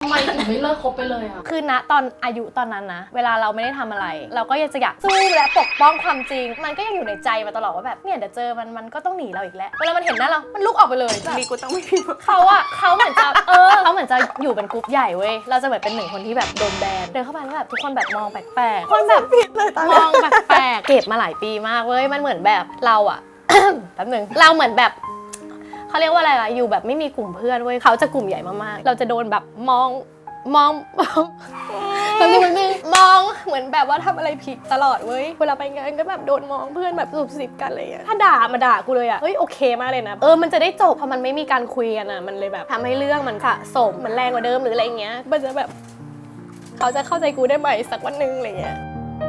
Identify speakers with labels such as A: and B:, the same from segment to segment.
A: ไมถึงไม่เลิกคบไปเลยอ่ะ
B: คือณตอนอายุตอนนั้นนะเวลาเราไม่ได้ทำอะไรเราก็ยังจะอยากสู้และปกป้องความจริงมันก็ยังอยู่ในใจมาตลอดว่าแบบเนี่ยเดี๋ยวเจอมันก็ต้องหนีเราอีกแล้วเวลามันเห็นหน้าเรามันลุกออกไปเลยแบบ
C: มีกูต้องไม่พิมพ์
B: เขาเหมือนจะเขาเหมือนจะอยู่เป็นกรุ๊ปใหญ่เว้ยเราจะเหมือนเป็นหนึ่งคนที่แบบโดนแบนเดินเข้าไปแล้วแบบทุกคนแบบมองแปลกๆคนแบบมองแปลกๆเก็บมาหลายปีมากเว้ยมันเหมือนแบบเราอะ แป๊บนึงเราเหมือนแบบเขาเรียกว่าอะไรล่ะอยู่แบบไม่มีกลุ่มเพื่อนเว้ยเขาจะกลุ่มใหญ่มากๆเราจะโดนแบบมองแป๊บนึงมองเหมือนแบบว่าทำอะไรผิดตลอดเว้ยเวลาไปงานก็แบบโดนมองเพื่อนแบบสุบสิบกันอะไรอย่างเงี้ยถ้าด่ามาด่ากูเลยอะเฮ้ยโอเคมากเลยนะมันจะได้จบเพราะมันไม่มีการคุยกันอะมันเลยแบบทำให้เรื่องมันสะสมมันแรงกว่าเดิมหรืออะไรเงี้ยมันจะแบบเขาจะเข้าใจกูได้ไหมสักวันนึงอะไรเงี้ย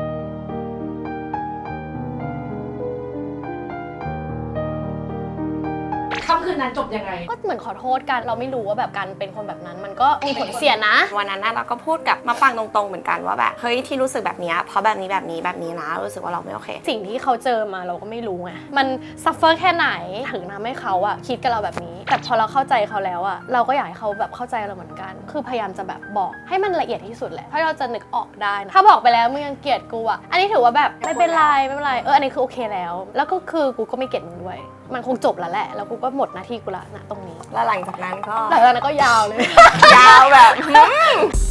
A: ค่ำคืนนั้นจบยังไง
B: ก็เหมือนขอโทษกันเราไม่รู้ว่าแบบการเป็นคนแบบนั้นมันก็มีผลเสียนะ
C: วันนั้นเราก็พูดกับมาปังตรงๆเหมือนกันว่าแบบเฮ้ยที่รู้สึกแบบนี้เพราะแบบนี้นะรู้สึกว่าเราไม่โอเค
B: สิ่งที่เขาเจอมาเราก็ไม่รู้ไงมันซัฟเฟอร์แค่ไหนถึงทำให้เขาอะคิดกับเราแบบนี้แต่พอเราเข้าใจเขาแล้วอะเราก็อยากให้เขาแบบเข้าใจเราเหมือนกันคือพยายามจะแบบบอกให้มันละเอียดที่สุดแหละถ้าเราจะนึกออกได้นะถ้าบอกไปแล้วมึงยังเกลียดกูอะอันนี้ถือว่าแบบไม่เป็นไรอันนี้คือโอเคแล้วก็คือกูก็ไม่เกลียดมึงด้วยมันคงจบแล้วแหละแล้วกูก็หมดหน้าที่กูละนะตรงนี้
C: แล้วหลังจากนั้นก็
B: ยาวเลย
C: ยาวแบบ